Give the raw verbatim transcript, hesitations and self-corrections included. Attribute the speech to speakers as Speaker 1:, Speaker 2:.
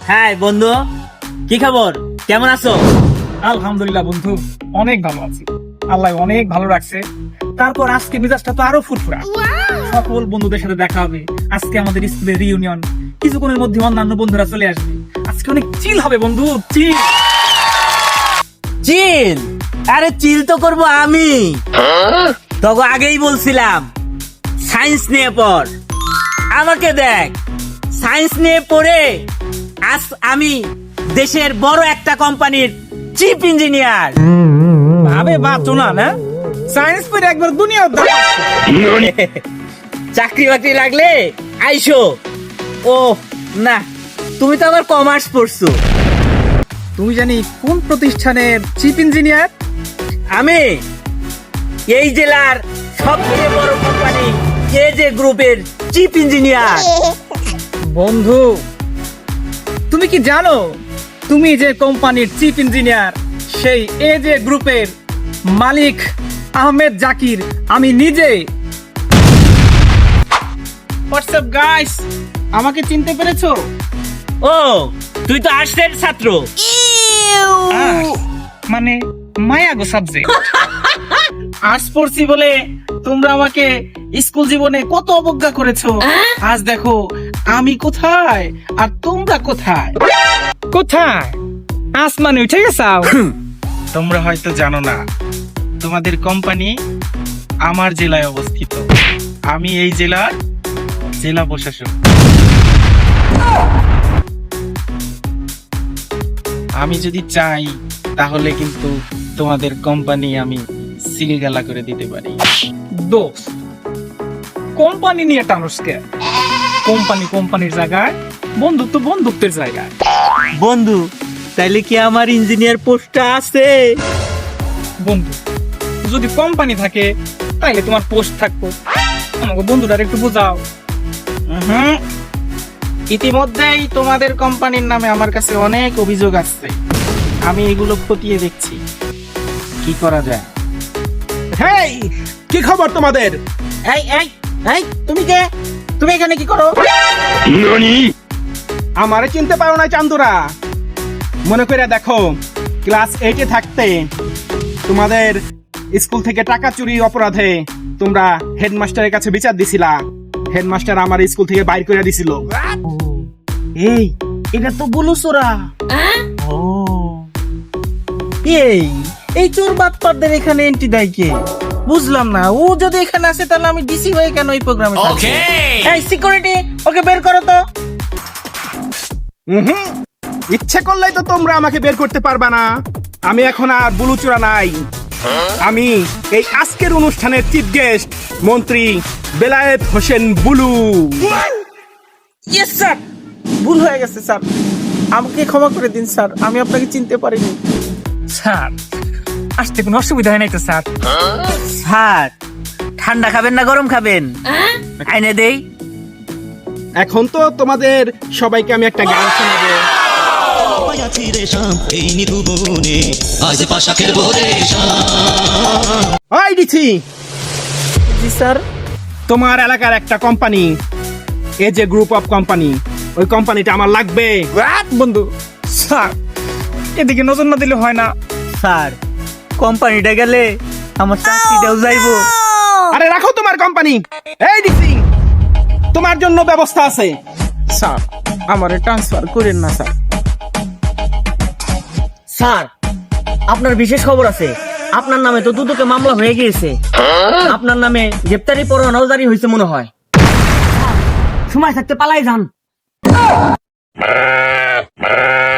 Speaker 1: হ্যাঁ বন্ধু, কি খবর, কেমন আছো?
Speaker 2: আলহামদুলিল্লাহ বন্ধু, অনেক ভালো আছি। আল্লাহ অনেক ভালো রাখছে। তারপর আজকে মেজাজটা তো আরো ফুরফুরা। সকল বন্ধুদের সাথে দেখা হবে। আজকে আমাদের স্কুলের রিউনিয়ন, কিছুক্ষণের মধ্যে অন্যান্য বন্ধুরা চলে আসবে। আজকে অনেক চিল হবে বন্ধু, চিল।
Speaker 1: চিল? আরে চিল তো করবো আমি। তখন আগেই বলছিলাম সায়েন্স নিয়ে পড়। আমাকে দেখ, সায়েন্স নিয়ে পড়ে আজ আমি দেশের বড় একটা কোম্পানির চিফ ইঞ্জিনিয়ার।
Speaker 2: ভাবে বাঁচো না না, সায়েন্স পড়ে একবার দুনিয়া উদ্ধার করছো।
Speaker 1: চাকরি বাকরি লাগলে আইসো। ও না, তুমি তো আবার কমার্স পড়ছো।
Speaker 2: তুমি জানি কোন প্রতিষ্ঠানের চিফ ইঞ্জিনিয়ার?
Speaker 1: আমি এই জেলার সবচেয়ে বড় কোম্পানি এজে গ্রুপের চিফ ইঞ্জিনিয়ার।
Speaker 2: বন্ধু, তুমি কি জানো তুমি যে কোম্পানির চিফ ইঞ্জিনিয়ার, সেই এজে গ্রুপের মালিক আহমেদ জাকির আমি নিজে। হোয়াটসঅ্যাপ গাইস, আমাকে চিনতে পেরেছো?
Speaker 1: ও, তুই তো আর্টসের ছাত্র।
Speaker 2: আর্টস মানে মায়াগো সাবজেক্ট। আর্টস পড়ছি বলে তোমরা আমাকে স্কুল জীবনে কত অবজ্ঞা করেছো। আজ দেখো আমি কোথায় আর তোমরা কোথায়। কোথায়? আসমানে উঠে গেছাও। তোমরা হয়তো জানো না, তোমাদের কোম্পানি আমার জেলায় অবস্থিত। আমি এই জেলার জেলা প্রশাসক। আমি যদি চাই তাহলে কিন্তু তোমাদের কোম্পানি আমি সিলগালা করে দিতে পারি। দোস্ত, কোম্পানি নিয়ে টানুসকে। কোম্পানি কোম্পানির জায়গায়, বন্ধুত্ব বন্ধুত্বের জায়গায়।
Speaker 1: বন্ধু, তাইলে কি আমার ইঞ্জিনিয়ার পোস্টটা আছে?
Speaker 2: বন্ধু, যদি কোম্পানি থাকে তাইলে তোমার পোস্ট থাকবো। আমাকে বন্ধুটার একটু বোঝাও। হুম, ইতিমধ্যেই তোমাদের কোম্পানির নামে আমার কাছে অনেক অভিযোগ আসছে। আমি এগুলো খতিয়ে দেখছি কি করা যায়।
Speaker 3: হেই, কি খবর তোমাদের?
Speaker 2: এই এই এই, তুমি কে? তুমি এখানে কি করো?
Speaker 3: আমারে চিনতে পারো না চান্দুরা? মনে করে দেখো, ক্লাস এইটে থাকতে তোমাদের স্কুল থেকে টাকা চুরি অপরাধে তোমরা হেডমাস্টারের কাছে বিচার দিছিলা। হেডমাস্টার আমার স্কুল থেকে বাইর করে দিছিল।
Speaker 2: এই, এটা তো বলুসোরা।
Speaker 1: ও, এই এই চোর বাটপারদের এখানে এন্ট্রি দেয় কে?
Speaker 2: বুঝলাম না, ও যদি এখানে আসে তাহলে আমি ডিসি হয়ে কেন এই প্রোগ্রামে থাকবো?
Speaker 1: এই সিকিউরিটি, ওকে বের করো তো।
Speaker 3: হুম, ইচ্ছে করলেই তো তোমরা আমাকে বের করতে পারবা না। আমি এখন আর বুলুচোরা নাই। আমি এই আজকের অনুষ্ঠানের চিফ গেস্ট মন্ত্রী বেলায়েত হোসেন বুলু।
Speaker 2: ইয়েস স্যার, ভুল হয়ে গেছে স্যার, আমাকে ক্ষমা করে দিন স্যার, আমি আপনাকে চিনতে পারিনি। স্যার, আসতে কোনো অসুবিধা হয় নাই তো স্যার?
Speaker 1: স্যার, ঠান্ডা খাবেন না গরম খাবেন? আইনে দেই।
Speaker 3: এখন তো তোমাদের সবাইকে আমি একটা গান শোনাবো।
Speaker 4: পায়াছি রে শাম এই নিধু বনে আজ পাশা খেলবো রে শাম।
Speaker 3: ওই ডিসি,
Speaker 2: জি স্যার।
Speaker 3: তোমার এলাকার একটা কোম্পানি, এ যে গ্রুপ অফ কোম্পানি, ওই কোম্পানিটা আমার লাগবে।
Speaker 2: বন্ধু স্যার, এদিকে নজর না দিলে হয় না।
Speaker 1: স্যার, কোম্পানিটা গেলে আমার চাকরিটাও যাইবো।
Speaker 3: আরে রাখো তোমার কোম্পানি। এই ডিসি, তোমার জন্য ব্যবস্থা আছে।
Speaker 2: স্যার, আমারে ট্রান্সফার করেন না স্যার।
Speaker 1: স্যার, আপনার বিশেষ খবর আছে। আপনার নামে তো দুদকে মামলা হয়ে গিয়েছে। আপনার নামে গ্রেপ্তারি পরোয়ানাও জারি হয়েছে মনে হয়। সময় থাকতে পালাই যান।